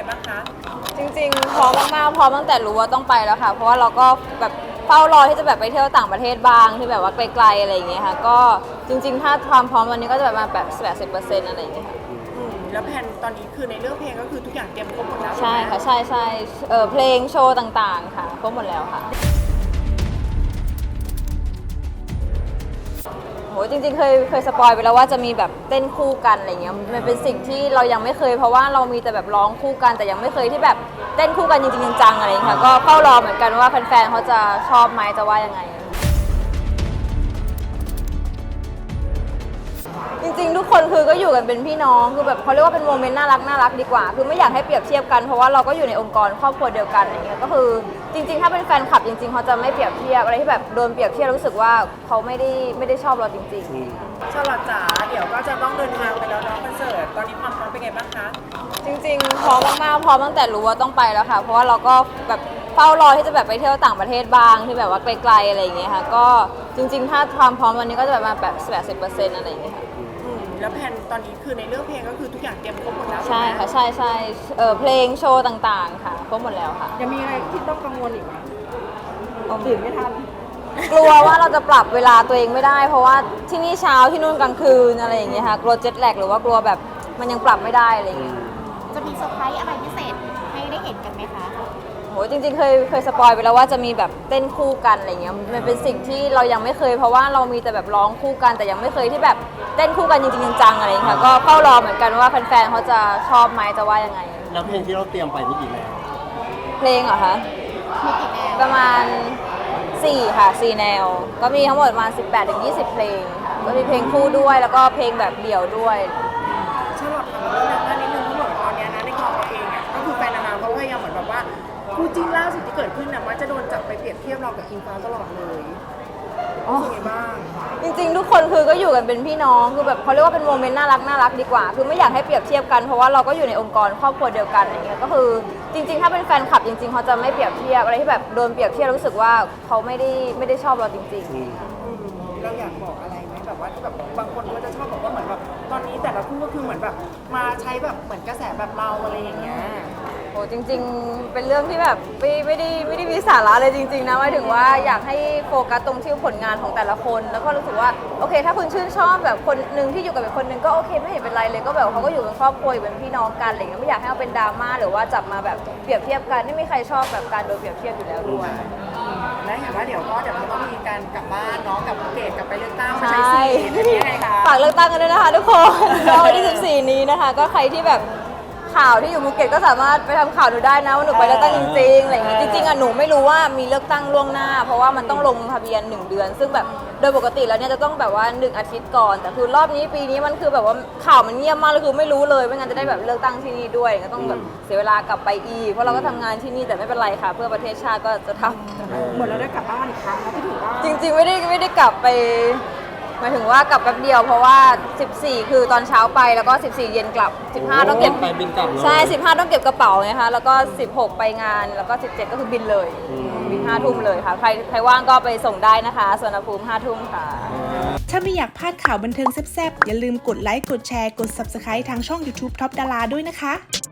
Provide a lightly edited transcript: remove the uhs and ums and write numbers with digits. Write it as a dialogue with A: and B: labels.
A: บ้างคะ
B: จริงๆพร้อมมากๆพร้อมตั้งแต่รู้ว่าต้องไปแล้วค่ะเพราะว่าเราก็แบบเฝ้ารอที่จะแบบไปเที่ยวต่างประเทศบ้างที่แบบว่าไกลๆอะไรอย่างเงี้ยค่ะก็จริงๆถ้าความพร้อมวันนี้ก็จะแบบมาแบบ80%อะไรอย่างเงี้ยค่ะ
A: แล้วแผนตอนนี้คือในเรื่องเพลงก็คือทุกอย่างเตรียมครบหมดแล้ว
B: ใช่ค่ะใช่เพลงโชว์ต่างๆค่ะครบหมดแล้วค่ะโหจริงๆเคยสปอยไปแล้วว่าจะมีแบบเต้นคู่กันอะไรเงี้ยมันเป็นสิ่งที่เรายังไม่เคยเพราะว่าเรามีแต่แบบร้องคู่กันแต่ยังไม่เคยที่แบบเต้นคู่กันจริงๆจังๆอะไรเงี้ยค่ะก็เฝ้ารอเหมือนกันว่าแฟนๆเขาจะชอบไหมจะว่ายังไงจริงๆทุกคนคือก็อยู่กันเป็นพี่น้องคือแบบเขาเรียกว่าเป็นโมเมนต์น่ารักดีกว่าคือไม่อยากให้เปรียบเทียบกันเพราะว่าเราก็อยู่ในองค์กรครอบครัวเดียวกันอย่างเงี้ยก็คือจริงๆถ้าเป็นแฟนคลับจริงๆเขาจะไม่เปรียบเทียบอะไรที่แบบโดนเปรียบเทียบรู้สึกว่าเขาไม่ได้ชอบเราจริงๆ
A: ชลอดจ๋าเดี๋ยวก็จะต้องเดินทางไปแล้วเนาะคอนเสิร์ตตอนนี้ความพร้อมเป็นไงบ้างคะ
B: จริงๆพร้อมมากๆพร้อมตั้งแต่รู้ว่าต้องไปแล้วค่ะเพราะว่าเราก็แบบเฝ้ารอที่จะแบบไปเที่ยวต่างประเทศบ้างที่แบบว่าไกลๆอะไรอย่างเงี้ยค่ะก็จริงๆถ้าความพร้อมวันนี้ก็จะแบบมาแบบ80%อะไรอย่างเงี้ยค่ะ
A: แล้วแผนตอนนี้คือในเรื่องเพลงก็คือทุกอย่างเตรียมครบหมดแล้ว
B: ใช่ค่ะใช่เพลงโชว์ต่างๆค่ะครบหมดแล้วค่ะ
A: ยังมีอะไรที่ต้องกังวลอีกไหมตื่นไม่ทัน
B: กลัวว่าเราจะปรับเวลาตัวเองไม่ได้เพราะว่าที่นี่เช้าที่นู่นกลางคืนอะไรอย่างเงี้ยค่ะกลัวเจ็ตแลกหรือว่ากลัวแบบมันยังปรับไม่ได้อะไรอย่างเงี้ย
C: จะมีเซอร์ไพรส์อะไรพิเศษให้ได้เห็นกันไหมคะ
B: โหจริงๆเคยสปอยไปแล้วว่าจะมีแบบเต้นคู่กันอะไรเงี้ยมันเป็นสิ่งที่เรายังไม่เคยเพราะว่าเรามีแต่แบบร้องคู่กันแต่ยังไม่เคยที่แบบเต้นคู่กันจริงๆจังๆอะไรอย่างเงี้ยค่ะก็เฝ้ารอเหมือนกันว่าแฟนๆเขาจะชอบไหมจะว่ายังไง
D: แล้วเพลงที่เราเตรียมไปนี่กี่แนว
B: เพลงเหรอคะ
C: มีกี่แนว
B: ประมาณ4ค่ะ4แนวก็มีทั้งหมดประมาณ18-20เพลงค่ะก็มีเพลงคู่ด้วยแล้วก็เพลงแบบเดี่ยวด้วย
A: ชลอดถามเรื่องนั้นนิดนึงที่บอกตอนนี้นะในกองเราเองอ่ะก็คือแฟนนางงามเขาพยายามเหมือนแบบว่าคู่จิ้นล่าสุดที่เกิดขึ้นน่ะว่าจะโดนจับไปเปรียบเทียบเรากับอิงฟ้าตลอดเลยเป็นไงบ้าง
B: จริงๆทุกคนคือก็อยู่กันเป็นพี่น้องคือแบบเขาเรียกว่าเป็นโมเมนต์น่ารักดีกว่าคือไม่อยากให้เปรียบเทียบกันเพราะว่าเราก็อยู่ในองค์กรครอบครัวเดียวกันอย่างเงี้ยก็คือจริงๆถ้าเป็นแฟนคลับจริงๆเขาจะไม่เปรียบเทียบอะไรที่แบบโดนเปรียบเทียบรู้สึกว่าเขาไม่ได้ชอบเราจริงๆ
A: เราอยากบอกอะไรไหมแบบว่าที่แบบบางคนก็จะชอบบอกว่าเหมือนแบบตอนนี้แต่ละคู่ก็คือเหมือนแบบมาใช้แบบเหมือนกระแสแบบเราอะไรอย่างเงี้ย
B: โอ้จริงๆเป็นเรื่องที่แบบไม่ได้มีสาระเลยจริงๆนะหมายถึงว่าอยากให้โฟกัสตรงที่ผลงานของแต่ละคนแล้วก็รู้สึกว่าโอเคถ้าคุณชื่นชอบแบบคนหนึ่งที่อยู่กับอีกคนหนึ่งก็โอเคไม่เห็นเป็นไรเลยก็แบบเขาก็อยู่เป็นครอบครัวอยู่เป็นพี่น้องกันอะไรเงี้ยไม่อยากให้เอาเป็นดราม่าหรือว่าจับมาแบบเปรียบเทียบกันไม่มีใครชอบแบบการโดนเปรียบเทียบอยู่แล้วด้วย
A: และเห็นว่าเดี๋ยวเราต้องมีการกลับบ้านเนาะกับภูเก็ตกลับไปเลือกตั้งมาใช้สิทธิ์เป็นยังไงคะ
B: ฝากเลือกตั้งกันด้วยนะคะทุกคนวันที่14นี้นะคะก็ใครที่แบบข่าวที่อยู่ภูเก็ตก็สามารถไปทำข่าวดูได้นะว่าหนูไปเลือกตั้งจริงๆอะไรอย่างงี้จริงๆอ่ะหนูไม่รู้ว่ามีเลือกตั้งล่วงหน้าเพราะว่ามันต้องลงทะเบียน1 เดือนซึ่งแบบโดยปกติแล้วเนี่ยจะต้องแบบว่า1 อาทิตย์ก่อนแต่คือรอบนี้ปีนี้มันคือแบบว่าข่าวมันเงียบมากเลยคือไม่รู้เลยไม่งั้นจะได้แบบเลือกตั้งที่นี่ด้วยก็ต้องแบบเสียเวลากลับไปอีกเพราะเราก็ทำงานที่นี่แต่ไม่เป็นไรค่ะเพื่อประเทศชาติก็จะทำ
A: เหมือนเราได้กลับบ้านอีกครั้งแล้วที่ถือว่า
B: จริงๆไม่ได้กลับไปหมายถึงว่ากลับแป๊บเดียวเพราะว่า14คือตอนเช้าไปแล้วก็14เย็นกลับ15ต้องเก็บ
D: ไปบินกลับ
B: ใช่15ต้องเก็บกระเป๋าไงคะแล้วก็16ไปงานแล้วก็17ก็คือบินเลยบิน5 ทุ่มเลยค่ะใครว่างก็ไปส่งได้นะคะสวนภูมิ5 ทุ่มค่ะ
E: ถ้าไม่อยากพลาดข่าวบันเทิงแซ่บๆอย่าลืมกดไลค์กดแชร์กด Subscribe ทางช่อง YouTube Top Dara ด้วยนะคะ